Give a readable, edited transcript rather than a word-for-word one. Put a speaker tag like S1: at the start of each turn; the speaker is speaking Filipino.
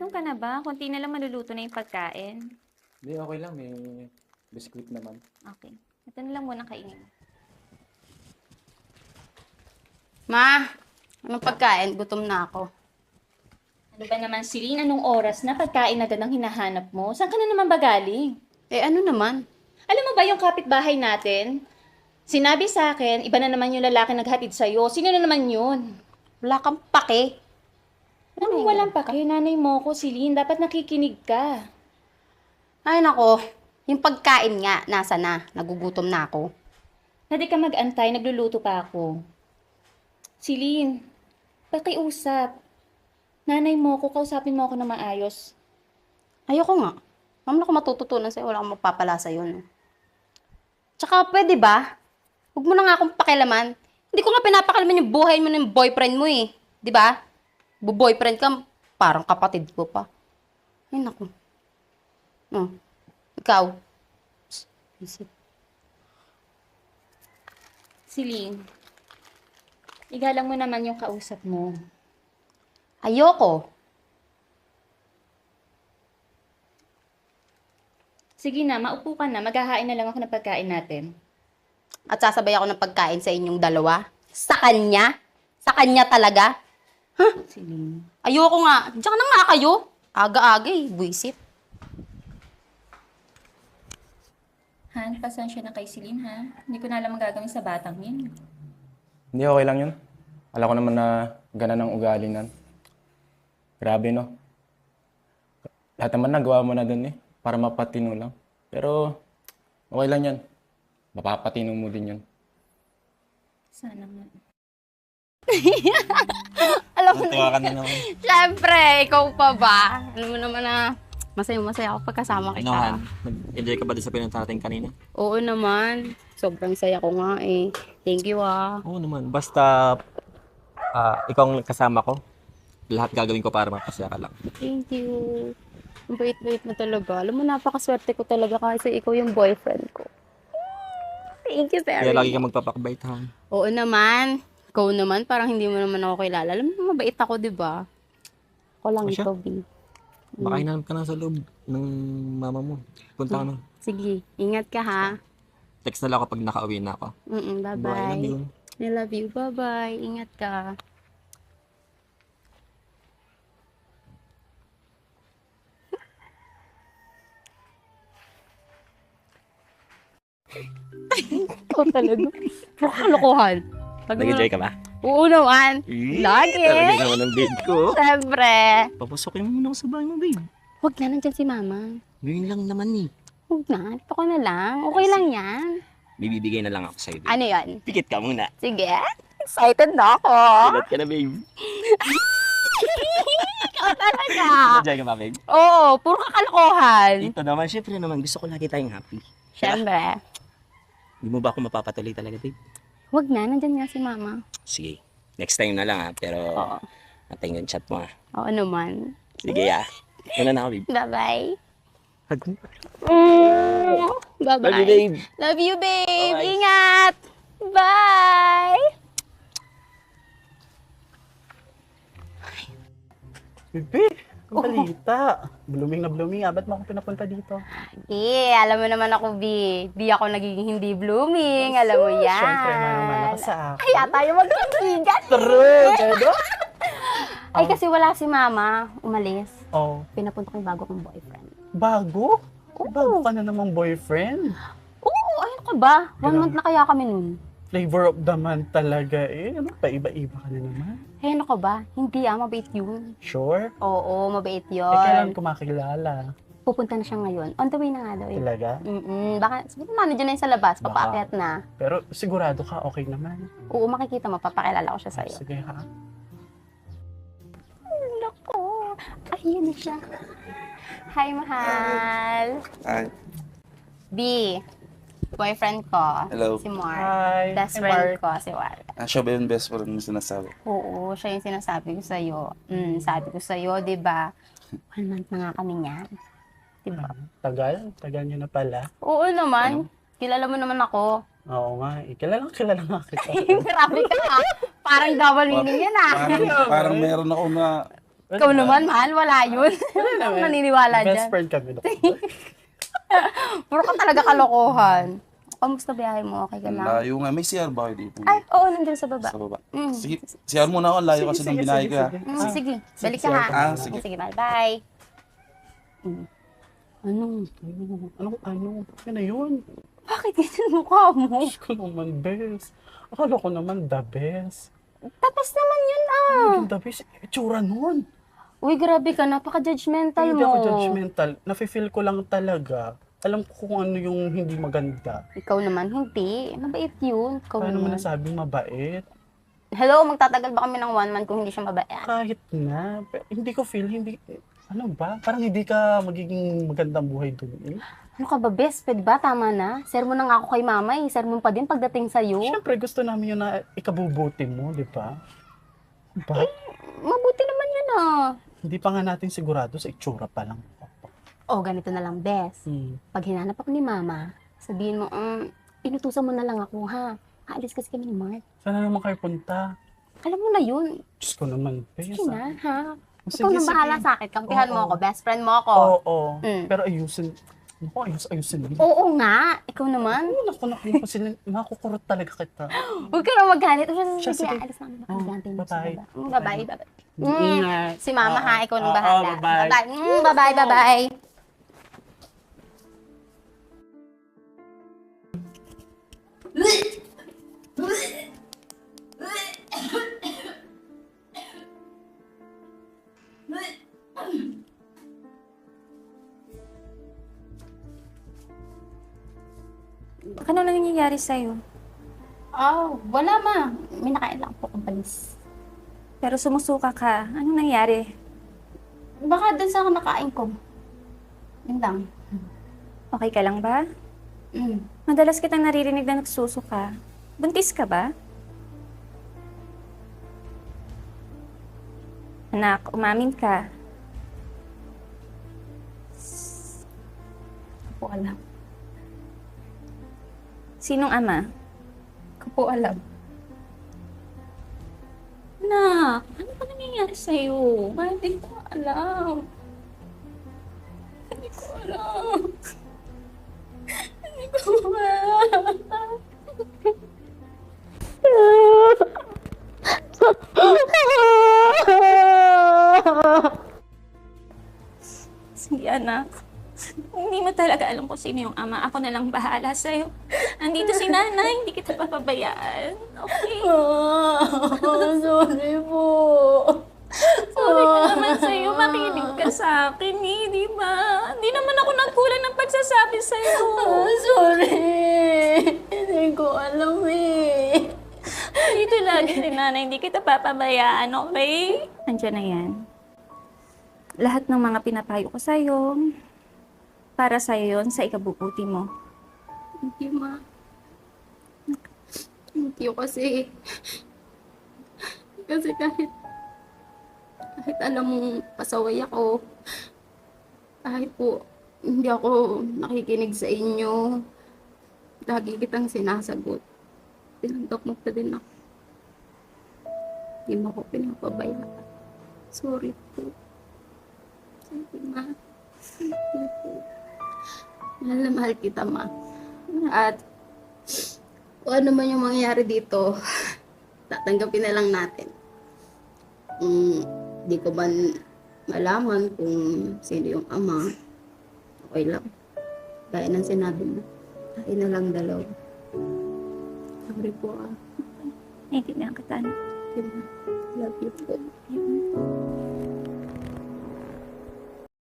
S1: Gutom ka na ba? Kunti na lang maluluto na yung pagkain.
S2: Hindi, okay lang. May biskuit naman.
S1: Okay. Ito na lang muna kainin.
S3: Ma, anong pagkain? Gutom na ako.
S1: Ano ba naman, Celine? Anong oras na pagkain agad ang hinahanap mo? Saan ka na naman ba galing?
S3: Eh, ano naman?
S1: Alam mo ba yung kapitbahay natin? Sinabi sa akin, iba na naman yung lalaki naghatid sa'yo. Sino na naman yun?
S3: Wala kang pake.
S1: Ano walang pa kayo? Nanay mo ko, Celine. Dapat nakikinig ka.
S3: Ay, nako. Yung pagkain nga, nasa na? Nagugutom na ako.
S1: Hindi ka mag-antay, nagluluto pa ako. Celine, pakiusap. Nanay mo ko, kausapin mo ako na maayos.
S3: Ayoko nga. Ma'am, ako matututunan sa'yo. Wala akong magpapala sa'yo. No? Tsaka, pwede ba? Huwag mo na nga akong pakialaman. Hindi ko nga pinapakalaman yung buhay mo ng boyfriend mo eh. Di ba? Bu-boyfriend ka, parang kapatid ko pa. Ay, naku. No. Ikaw. Isip.
S1: Celine, igalang mo naman yung kausap mo.
S3: Ayoko.
S1: Sige na, maupo ka na. Maghahain na lang ako ng pagkain natin.
S3: At sasabay ako ng pagkain sa inyong dalawa? Sa kanya? Sa kanya talaga?
S1: Celine.
S3: Ayoko nga. Diyan na nga kayo. Aga-aga eh. Buisit.
S1: Han, pasensya na kay Celine, ha? Hindi ko na alam ang gagawin sa batang yun.
S2: Hindi, okay lang yun. Alam ko naman na ganan ang ugali nan. Grabe, no? Lahat naman nagawa mo na dun eh. Para mapatino lang. Pero, okay lang yan. Mapapatino mo din yun.
S1: Sana nga.
S3: Alam mo
S2: Natuwa ka na naman.
S3: Siyempre, ikaw pa ba? Alam mo naman na masaya-masaya ako pagkasama kita.
S4: Ano, Han? Nag-enjoy ka ba doon sa pinunta natin kanina?
S3: Oo naman. Sobrang saya ko nga eh. Thank you ah.
S4: Oo naman. Basta ikaw ang kasama ko, lahat gagawin ko para mapasaya ka lang.
S3: Thank you. Ang bait-bait mo talaga. Alam mo, napakaswerte ko talaga kasi ikaw yung boyfriend ko. Thank you very
S4: Kaya lagi
S3: much.
S4: ka magpapakbait, Han.
S3: Oo naman. Ikaw naman, parang hindi mo naman ako kilala. Alam mo, mabait ako, di ba? Ako lang
S4: O siya?
S3: ikaw, B.
S4: Baka hinanap ka na sa loob ng mama mo. Punta ka na.
S3: Sige, ingat ka ha.
S4: Text na lang ako pag nakauwi na ako.
S3: Bye-bye.
S4: Bye, love you.
S3: I love you. Bye-bye. Ingat ka. Ikaw talaga. Puro kalokohan.
S4: Nag-enjoy ka ba?
S3: Oo naman. Lagi.
S4: Talaga naman ang babe ko.
S3: Siyempre.
S4: Papasokin mo muna ako sa bahay mo, babe.
S3: Huwag na, nandyan si mama.
S4: Ngayon lang naman eh.
S3: Huwag na. Ito ko na lang. Okay lang yan.
S4: Bibibigay na lang ako sa'yo, babe.
S3: Ano yan?
S4: Pikit ka muna.
S3: Sige. Excited na ako.
S4: Pilat ka na, babe.
S3: Ikaw talaga.
S4: Enjoy ka ba, babe?
S3: Oo, puro kakalokohan.
S4: Ito naman, syempre naman, gusto ko lagi tayong happy.
S3: Siyempre.
S4: Hindi mo ba ako mapapatuloy talaga, babe?
S3: Huwag na, nandyan nga si mama.
S4: Sige. Next time na lang ha. Pero,
S3: Oo.
S4: natin yung chat mo ha.
S3: Oo naman.
S4: Sige ha. Una na ako, babe.
S3: Bye-bye.
S4: Hug mo.
S3: Bye-bye.
S4: Love you, babe.
S3: Love you, babe.
S4: Bye-bye.
S3: Ingat. Bye.
S5: Bebe, ang balita. Blooming na blooming. Ba't mo ako pinapunta dito?
S3: Alam mo naman ako, B. Di ako nagiging hindi blooming. Alam mo yan.
S5: Siyempre, manang-mana ka sa akin.
S3: Kaya tayo magkaibigan.
S5: True, Dedo.
S3: Ay, kasi wala si mama. Umalis.
S5: Oh,
S3: Pinapunta ko yung bago kong boyfriend.
S5: bago? Bago ka na namang boyfriend.
S3: Oo, ayun ka ba? 1 month na kaya kami nun.
S5: Flavor of the month talaga eh. Ano pa, iba-iba ka na naman.
S3: Hey, ano ka ba? Hindi mabait yun.
S5: Sure?
S3: Oo, mabait
S5: Eh, kailan
S3: yun.
S5: ko makilala?
S3: Pupunta na siya ngayon. On the way na nga daw eh.
S5: Talaga?
S3: Baka, siguro manager na yun sa labas,
S5: Baka.
S3: papaakyat na.
S5: Pero sigurado ka, okay naman.
S3: Oo, makikita mo, papakilala ko siya sa'yo.
S5: Sige ha.
S3: Naku, ayun na siya. Hi, mahal.
S6: Hi.
S3: B, boyfriend ko.
S6: Hello.
S3: Si Mark.
S5: Hi.
S3: Best
S5: Hi,
S3: friend
S5: Mark.
S3: ko, si Mark.
S6: Siya ba yung best friend mo sinasabi?
S3: Oo, siya yung sinasabi ko sa'yo. Sabi ko sa'yo, di ba? 1 month na nga kami niyan. Di ba?
S5: Tagal nyo na pala.
S3: Oo naman. Kilala mo naman ako.
S5: Oo nga, eh. Kilala nga kita.
S3: Grabe ka ha. Parang double meaning yan ah.
S6: Parang meron ako na
S3: Ikaw naman, mahal, wala yun. Ano maniniwala
S5: Best
S3: dyan?
S5: friend kami.
S3: Puro ka talaga kalokohan. Kamusta biyahe mo? Okay ka lang?
S6: Layo nga. May CR ba kayo dito?
S3: Ay, oo, nandun sa baba.
S6: Sa baba.
S3: Mm.
S6: Sige, CR muna ako. Layo kasi ng binahe ka.
S3: Sige, balik ka ha.
S6: Ah, sige.
S3: Sige, mahal, bye. Ano?
S5: Ano? Yan na yun.
S3: Bakit ganyan mukha mo?
S5: Diyos ko naman, best. Akala ko naman the best.
S3: Tapos naman yun ah.
S5: Yung the best, itsura nun.
S3: Uy, grabe ka, napaka-judgmental
S5: Hindi
S3: mo.
S5: ako judgmental. Nafe-feel ko lang talaga. Alam ko kung ano yung hindi maganda.
S3: Ikaw naman, hindi. Mabait yun. Ikaw
S5: Paano mo
S3: naman.
S5: nasabing mabait?
S3: Hello, magtatagal ba kami ng 1 month kung hindi siya mabait?
S5: Kahit na. Hindi ko feel, hindi... Ano ba? Parang hindi ka magiging magandang buhay doon eh.
S3: Ano ka ba, best? Pwede ba? Tama na. Sermon na nga ako kay mama eh. Sermon pa din pagdating sa'yo.
S5: Siyempre, gusto namin yun na ikabubuti mo, di ba? Diba?
S3: Mabuti naman yun ah.
S5: Hindi pa nga natin sigurado sa itsura pa lang.
S3: Oh, ganito na lang, best.
S5: Hmm.
S3: Pag hinanap ako ni mama, sabihin mo, inutusan mo na lang ako ha. Aalis kasi kami ni Mark.
S5: Sana naman kayo punta?
S3: Alam mo na yun.
S5: Diyos ko naman,
S3: Sige
S5: Bes.
S3: na, ha?
S5: Sige,
S3: Ikaw nang
S5: sige.
S3: bahala sa akin. Kampihan mo
S5: Oo.
S3: ako. Best friend mo ako.
S5: Oo.
S3: Mm.
S5: Pero ayusin. Naku, ayusin mo.
S3: Oo nga. Ikaw naman.
S5: Naku, kasi makukurot talaga kita.
S3: Huwag ka na magalit.
S5: Siya,
S3: Sige,
S5: sige.
S3: alis na kami.
S5: Oh,
S3: Bye-bye.
S5: bye-bye.
S3: Bye-bye. Bye-bye.
S5: Ingat.
S3: Si mama ha, ikaw nang
S5: Oo,
S3: bahala.
S5: bye-bye.
S3: Bye-bye. Bye-bye. Bye-bye.
S1: Ano na nangyayari sa'yo?
S3: Oh, wala ma. May nakain lang po kong panis.
S1: Pero sumusuka ka. Anong nangyari?
S3: Baka dun sa nakain ko. Yun lang.
S1: Okay ka lang ba?
S3: Mm.
S1: Madalas kitang naririnig na nagsusuka. Buntis ka ba? Anak, umamin ka.
S3: Hindi ko alam.
S1: Sinong ama?
S3: Hindi ko po alam.
S1: Anak, ano ba nangyayari sa'yo?
S3: Hindi ko alam.
S1: Hindi ko alam. Hindi ko alam. Sige, anak. Hindi mo talaga alam kung sino yung ama. Ako na lang bahala sa'yo. Andito si nanay, hindi kita papabayaan. Okay?
S3: Sorry po.
S1: Sorry ka naman sa'yo. Makinig ka sa akin eh, di ba? Hindi naman ako nagkulang ng pagsasabi sa'yo.
S3: Sorry. Hindi ko alam eh.
S1: Dito lagi si nanay, hindi kita papabayaan, okay? Andiyan na yan. Lahat ng mga pinapayo ko sa'yo, para sa'yo yun, sa ikabubuti mo.
S3: Thank you, ma. Thank you kasi... Kasi kahit alam mong pasaway ako, kahit po hindi ako nakikinig sa inyo, lagi kitang sinasagot. Tinanggap mo pa din ako. Hindi mo ako pinapabayaan. Sorry po. Sorry, ma. Sorry po. Mahal na mahal kita, ma. At kung ano man yung mangyayari dito, tatanggapin na lang natin. Di ko ba malaman kung sino yung ama, okay lang. Gaya ng sinabi mo, tayo na lang dalawa. Sorry po
S1: Naiintindihan kita, anak.
S3: Love you po.